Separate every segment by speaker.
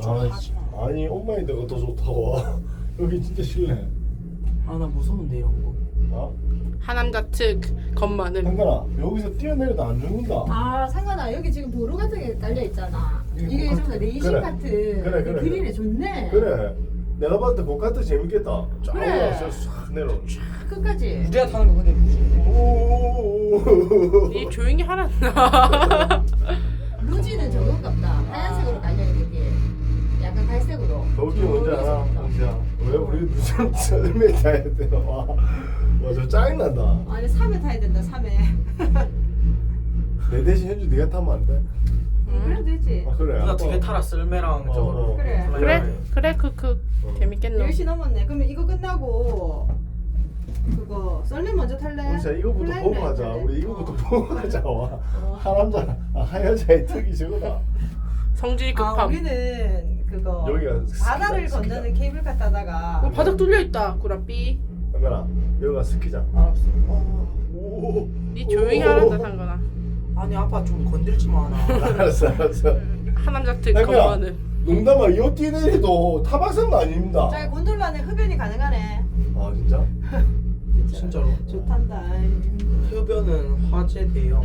Speaker 1: 좀 하지 마.
Speaker 2: 아니 엄마인데가 더 좋다고. 여기 진짜 실내.
Speaker 1: 아 나 무서운데 이런 거.
Speaker 2: 어?
Speaker 3: 하남자 특 겁많음.
Speaker 2: 한가라 여기서 뛰어내려도 안 죽는다.
Speaker 4: 아 상관아 여기 지금 도로 같은 게 깔려 있잖아. 이게
Speaker 2: 고카트.
Speaker 4: 좀 레이싱
Speaker 2: 그래.
Speaker 4: 카트.
Speaker 2: 그래, 그래,
Speaker 4: 그린에 좋네.
Speaker 2: 그래. 내가 봤을 때 고카트 재밌겠다. 쫙
Speaker 4: 그래.
Speaker 2: 올라가서 싹 내려.
Speaker 4: 끝까지.
Speaker 1: 우리가 타는 거 근데 무슨
Speaker 2: 오.
Speaker 3: 니 조용히 하란다.
Speaker 4: 루지는 저건갑다. 하얀색으로 깔려 있는 게 약간 갈색으로.
Speaker 2: 더 웃긴 뭔지 알아? 진짜. 왜 우리 무슨 썰매 타야 돼? 와저 짜증난다.
Speaker 4: 아니 3회 타야 된다 3회.
Speaker 2: 내 대신 현주 네가 타면 안 돼?
Speaker 4: 그래도 되지.
Speaker 2: 아 그래.
Speaker 1: 누나 두개 타라 썰매랑 저거.
Speaker 4: 그래.
Speaker 3: 그래 크크 재밌겠노.
Speaker 4: 10시 넘었네. 그러면 이거 끝나고 그거 썰매 먼저 탈래?
Speaker 2: 우리 진짜 이거부터
Speaker 4: 플라잉
Speaker 2: 보고
Speaker 4: 라인
Speaker 2: 가자.
Speaker 4: 탈래?
Speaker 2: 우리 이거부터 보고 가자. 와.
Speaker 4: 어.
Speaker 2: 하남자, 하여자의 특이 저거다.
Speaker 3: 성질이
Speaker 4: 아
Speaker 3: 급함.
Speaker 4: 우리는 그거
Speaker 2: 여기가
Speaker 4: 바다를
Speaker 2: 스키장,
Speaker 4: 건너는 케이블카 타다가
Speaker 3: 어, 바닥 뚫려 있다 구라삐.
Speaker 2: 상관아, 여기가 스키장.
Speaker 1: 알았어.
Speaker 2: 오.
Speaker 3: 니 조용히 하란다 상관아.
Speaker 1: 아니 아빠 좀 건들지 마 나.
Speaker 2: 알았어, 알았어.
Speaker 3: 하남자 특
Speaker 2: 상관아,
Speaker 3: 겁많음.
Speaker 2: 농담아, 이 뛰내리도 타박상 아닙니다.
Speaker 4: 저기 곤돌라는 흡연이 가능하네.
Speaker 2: 아 진짜?
Speaker 1: 진짜로.
Speaker 4: 좋단다.
Speaker 1: 흡연은 화재 대형.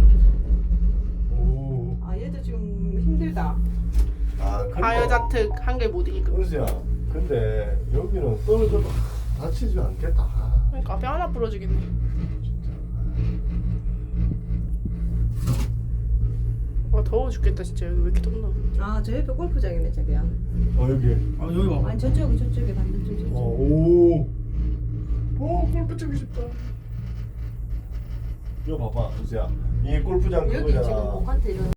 Speaker 2: 오.
Speaker 4: 아 얘도 지금 힘들다.
Speaker 2: 아 근데
Speaker 3: 하여자 특 한 개 못 이기고.
Speaker 2: 은수야, 근데 여기는 떨어져도 다치지 않겠다. 아,
Speaker 3: 그러니까 뼈 하나 부러지겠네.
Speaker 2: 진짜.
Speaker 3: 와 더워 죽겠다 진짜. 여기 왜 이렇게 덥나?
Speaker 4: 아 저 옆에 골프장이네 저기야.
Speaker 2: 여기.
Speaker 1: 아 여기 봐.
Speaker 4: 아니 저쪽에 반대쪽 저쪽.
Speaker 2: 오. 오, 골프 치고 싶다. 이거 봐봐, 은수야. 이게 골프장
Speaker 4: 여기
Speaker 2: 그거잖아.
Speaker 4: 지금 목한테 이런.